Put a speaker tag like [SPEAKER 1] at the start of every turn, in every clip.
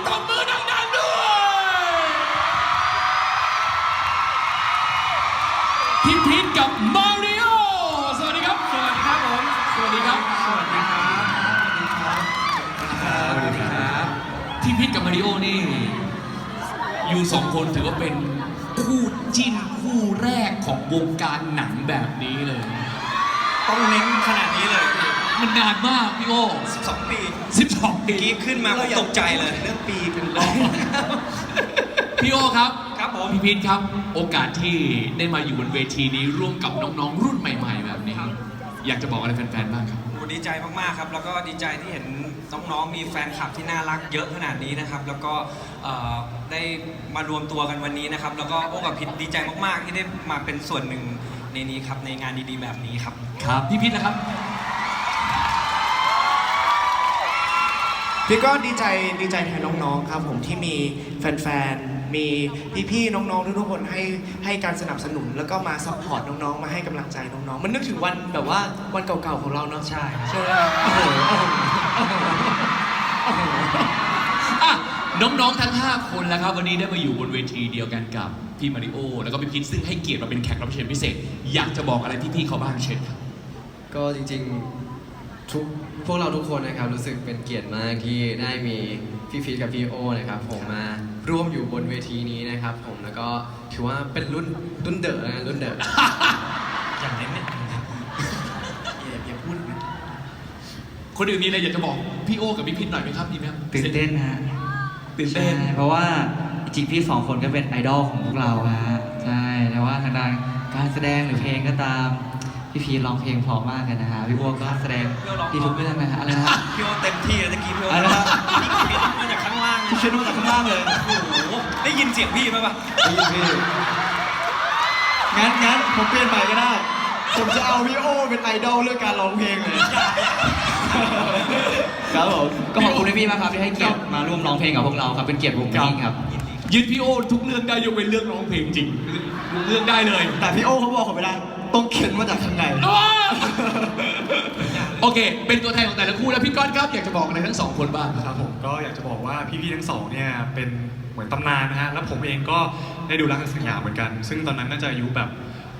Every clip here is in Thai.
[SPEAKER 1] ปรบมือดังๆด้วยพี่พีทกับมาริโอสวัสดีครับสวัสดีครับผมสวัสดีครับสวัสดีครับสวัสดีครับพี่พีทกับมาริโอนี่อยู่สองคนถือว่าเป็นคู่จิ้นคู่แรกของวงการหนังแบบนี้เลย
[SPEAKER 2] ต้องเน้นขนาดนี้เลย
[SPEAKER 1] มันนานมากพี่โอ
[SPEAKER 2] 12 ปี
[SPEAKER 1] 12 ปี
[SPEAKER 2] กี้ขึ้นมาก็ตกใจเลยเรื่องปีเป็นรอบ
[SPEAKER 1] พี่โอครับ
[SPEAKER 2] ครับผม
[SPEAKER 1] พี่พีทครับโอกาสที่ได้มาอยู่บนเวทีนี้ร่วมกับน้องๆรุ่นใหม่ๆแบบนี้อยากจะบอกอะไรแฟนๆบ้างครับ
[SPEAKER 2] ดีใจมากๆครับแล้วก็ดีใจที่เห็นน้องๆมีแฟนคลับที่น่ารักเยอะขนาดนี้นะครับแล้วก็ได้มารวมตัวกันวันนี้นะครับแล้วก็โอ้กับพิทดีใจมากๆที่ได้มาเป็นส่วนหนึ่งในนี้ครับในงานดีๆแบบนี้ครับ
[SPEAKER 1] ครับพี่พิทนะครับ
[SPEAKER 3] พี่ก็ดีใจแทนน้องๆครับผมที่มีแฟนๆมีพี่ๆน้องๆทุกๆคนให้การสนับสนุนแล้วก็มาซัพพอร์ตน้องๆมาให้กำลังใจน้องๆมันนึกถึงวันแบบว่าวันเก่าๆของเราเนาะ
[SPEAKER 2] ใช่
[SPEAKER 3] ไหม
[SPEAKER 1] น้องๆทั้ง5คนแล้วครับวันนี้ได้มาอยู่บนเวทีเดียวกันกับพี่มาริโอแล้วก็พี่พิทซึ่งให้เกียรติมาเป็นแขกรับเชิญพิเศษอยากจะบอกอะไรพี่ๆเขาบ้างเช่นครับ
[SPEAKER 4] ก็จริงๆพวกเราทุกคนนะครับรู้สึกเป็นเกียรติมากที่ได้มีพี่พีทกับพี่โอนะครับผมมาร่วมอยู่บนเวทีนี้นะครับผมแล้วก็ถือว่าเป็นรุ่นเดอะนะรุ่นเดอะ
[SPEAKER 2] อย่างนี้เนี่ย
[SPEAKER 3] อย่าพูดนะ
[SPEAKER 1] คนอื่นมีอะไรอยากจะบอกพี่โอกับพี่พิทหน่อยไหมครับดีไหมครับ
[SPEAKER 5] ตื่นเต้นฮะ
[SPEAKER 1] ตื่นเต้น
[SPEAKER 5] เพราะว่าจริงพี่สองคนก็เป็นไอดอลของพวกเราฮะใช่แต่ว่าทางด้านการแสดงหรือเพลงก็ตามพี่พีร้องเพลงเพราะมากเลยนะฮะพี่โอก็แสดงดีทุกเรื่องนะฮะอะไรนะ
[SPEAKER 2] พี่โอเต็มที่เลยตะกี้พี่โอ
[SPEAKER 5] อะไรนะ
[SPEAKER 2] พี่คิดมาจากข้างล่าง
[SPEAKER 5] พี่คิดมาจากข้างล่างเลย
[SPEAKER 2] โอ้โหได้ยินเสียงพี่ไหมปะ
[SPEAKER 5] ได้ยินพี่งั้นผมเปลี่ยนใหม่ก็ได้ผมจะเอาพี่โอเป็นไอดอลเรื่องการร้องเพลงเลยครับผมก็ขอบคุณพี่มากครับที่ให้เกียรติมาร่วมร้องเพลงกับพวกเราครับเป็นเกียรติผมจริงครับ
[SPEAKER 1] ยืนพี่โอทุกเรื่องได้ยกเว้นเรื่องร้องเพลงจริงเรื่องได้เลย
[SPEAKER 5] แต่พี่โอเขาบอกผมไม่ได้ต้องเข็นมาจากข้างใน
[SPEAKER 1] โอเคเป็นตัวแทนของแต่ละคู่แล้วพี่ก้อนครับอยากจะบอกอะไรทั้งสองคนบ้าง
[SPEAKER 6] ครับผมก็อยากจะบอกว่าพี่ๆทั้งสองเนี่ยเป็นเหมือนตำนานนะฮะแล้วผมเองก็ได้ดูรักกันสัญญาเหมือนกันซึ่งตอนนั้นน่าจะอายุแบบ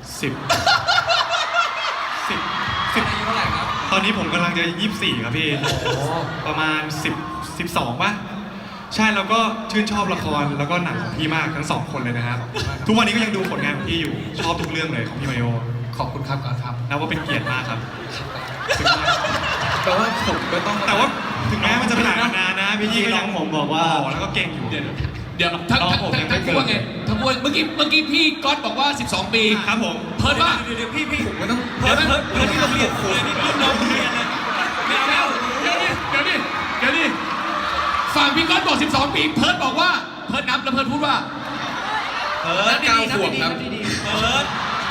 [SPEAKER 6] 10
[SPEAKER 2] อายุเท่าไหร่ครับ
[SPEAKER 6] ตอนนี้ผมกำลังจะ24ครับพี่ประมาณ12ป่ะใช่แล้วก็ชื่นชอบละครแล้วก็หนังของพี่มากทั้งสองคนเลยนะครับทุกวันนี้ก็ยังดูผลงานของพี่อยู่ชอบทุกเรื่องเลยของพี่มาริโอ
[SPEAKER 1] ขอบคุณครับครับ
[SPEAKER 6] นับว่าเป็นเกียรติมากครับ
[SPEAKER 5] แต่ว่าผมก็ต้อง
[SPEAKER 6] แต่ว่าถึงแม้มันจะเป็นหนังนานนะพี่ก็ยัง
[SPEAKER 5] ผมบอกว่า
[SPEAKER 6] แล้วก็เก่งอยู่
[SPEAKER 1] เดี๋ยวทั้งคู่ไงทั้งคู่เมื่อกี้พี่ก๊อตบอกว่า12 ปี
[SPEAKER 6] ครับผม
[SPEAKER 1] เพิร์ดว่า
[SPEAKER 2] เดี๋ยวพี่
[SPEAKER 1] ผมก็ต้อง
[SPEAKER 2] เพิร์ดที่โรงเรียนเลยนี่รุ่นน้องเรียนเลย
[SPEAKER 1] เดี๋ยวดิฝั่งพี่ก๊อตบอก12 ปีเพิร์ดบอกว่าเพิร์ดนับแล้วเพิร์ดพูดว่า
[SPEAKER 2] เพิร์ด9 ขวบครับเพิร์ด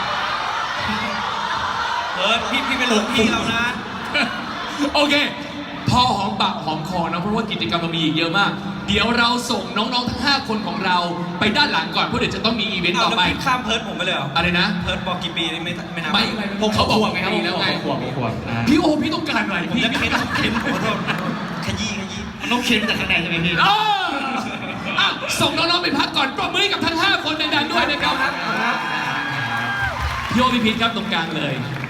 [SPEAKER 2] พี่เป็นลูกพี่เรานะ
[SPEAKER 1] โอเคพอหอมปากหอมคอนะเพราะว่ากิจกรรมเรามีอีกเยอะมากเดี๋ยวเราส่งน้องๆทั้ง5คนของเราไปด้านหลังก่อนเพราะเดี๋ยวจะต้องมีอีเวนต์ต่อไป
[SPEAKER 2] ข้ามเพิร์ดผมไปเลยเหรอ
[SPEAKER 1] อะไรนะ
[SPEAKER 2] เพิร์ดบอกกี่ปีไม่นับ
[SPEAKER 1] ผมเขาบอกไงครับแล้วไง
[SPEAKER 5] ขวบ
[SPEAKER 1] พี่โอพี่ต้องการอะไร
[SPEAKER 2] ผมจะเค้นขอโทษขยี้
[SPEAKER 5] มันต้องเค้นจากข้างในใช่ไหมพี่
[SPEAKER 1] ส่งน้องๆไปพักก่อนปรบมือกับทั้ง5คนดังๆด้วยนะครับพี่โอพี่พีทครับตรงกลางเลย